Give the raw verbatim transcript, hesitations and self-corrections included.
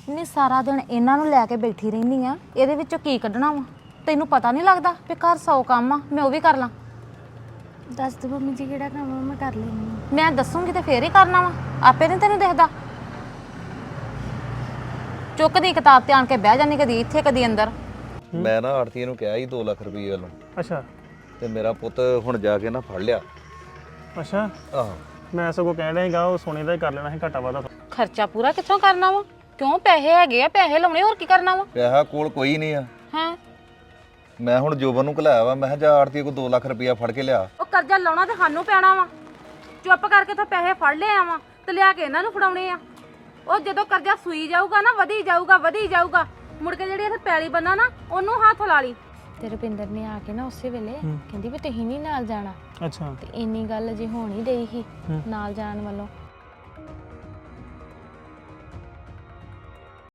ਨਹੀਂ ਸਾਰਾ ਦਿਨ ਇਹਨਾਂ ਨੂੰ ਲੈ ਕੇ ਬੈਠੀ ਰਹਿੰਦੀ ਆ, ਇਹਦੇ ਵਿੱਚੋਂ ਕੀ ਕੱਢਣਾ ਵਾ? ਤੈਨੂੰ ਪਤਾ ਨਹੀਂ ਲੱਗਦਾ ਵੀ ਘਰ ਸੌ ਕੰਮ ਆ, ਮੈਂ ਉਹ ਵੀ ਕਰ ਲਾਂ। ਦੱਸ ਦੋ ਮੰਮੀ ਜੀ ਕਿਹੜਾ ਕੰਮ ਆ, ਮੈਂ ਕਰ ਲੈਂਦੀ। ਮੈਂ ਦੱਸੂਗੀ ਤੇ ਫੇਰ ਹੀ ਕਰਨਾ ਵਾ, ਆਪੇ ਨਹੀਂ ਤੈਨੂੰ ਦਿਖਦਾ। ਚੁੱਕਦੀ ਕਿਤਾਬ ਤੇ ਆਣ ਕੇ ਬਹਿ ਜਾਂਦੀ, ਕਦੀ ਇੱਥੇ ਕਦੀ ਅੰਦਰ। ਮੈਂ ਨਾ ਆੜਤੀਏ ਨੂੰ ਕਿਹਾ ਸੀ ਦੋ ਲੱਖ ਰੁਪਏ ਵੱਲੋਂ। ਅੱਛਾ ਤੇ ਮੇਰਾ ਪੁੱਤ ਹੁਣ ਜਾ ਕੇ ਨਾ ਫੜ ਲਿਆ। ਅੱਛਾ ਆਹੋ ਮੈਂ ਸਗੋਂ ਕਹਿ ਰਿਹਾ ਸੀਗਾ ਉਹ ਸੋਨੇ ਦਾ ਹੀ ਕਰ ਲੈਣਾ ਸੀ ਘਾਟਾ ਵਾਦਾ। ਖਰਚਾ ਪੂਰਾ ਕਿੱਥੋਂ ਕਰਨਾ ਵਾ? ਕਿਉਂ ਪੈਸੇ ਹੈਗੇ ਆ, ਪੈਸੇ ਲਾਉਣੇ, ਹੋਰ ਕੀ ਕਰਨਾ ਵਾ? ਪੈਸਾ ਕੋਲ ਕੋਈ ਨਹੀਂ ਆ। ਹਾਂ ਮੈਂ ਹੁਣ ਜੋਬਨ ਨੂੰ ਘਲਾਇਆ ਵਾ, ਮੈਂ ਕਿਹਾ ਜਾ ਆੜਤੀਏ ਕੋ ਦੋ ਲੱਖ ਰੁਪਇਆ ਫੜ ਕੇ ਲਿਆ। ਉਹ ਕਰਜ਼ਾ ਲਾਉਣਾ ਤੇ ਸਾਨੂੰ ਪੈਣਾ ਵਾ। ਚੁੱਪ ਕਰਕੇ ਤਾਂ ਪੈਸੇ ਫੜ ਲਿਆ ਵਾ ਤੇ ਲਿਆ ਕੇ ਇਹਨਾਂ ਨੂੰ ਫੜਾਉਣੇ ਆ। ਉਹ ਜਦੋਂ ਕਰਜ਼ਾ ਸੂਈ ਜਾਊਗਾ ਨਾ, ਵਧੀ ਜਾਊਗਾ ਵਧੀ ਜਾਊਗਾ, ਮੁੜ ਕੇ ਜਿਹੜੀ ਇੱਥੇ ਪੈਲੀ ਬੰਨਾ ਨਾ ਉਹਨੂੰ ਹੱਥ ਲਾ ਲਈ। ਤੇ ਰੁਪਿੰਦਰ ਨੇ ਆ ਕੇ ਨਾ ਉਸੇ ਵੇਲੇ ਕਹਿੰਦੀ ਵੀ ਤੁਸੀਂ ਨਹੀਂ ਨਾਲ ਜਾਣਾ। ਅੱਛਾ ਤੇ ਇੰਨੀ ਗੱਲ ਜੇ ਹੋਣੀ ਡਈ ਸੀ ਨਾਲ ਜਾਣ ਵੱਲੋਂ,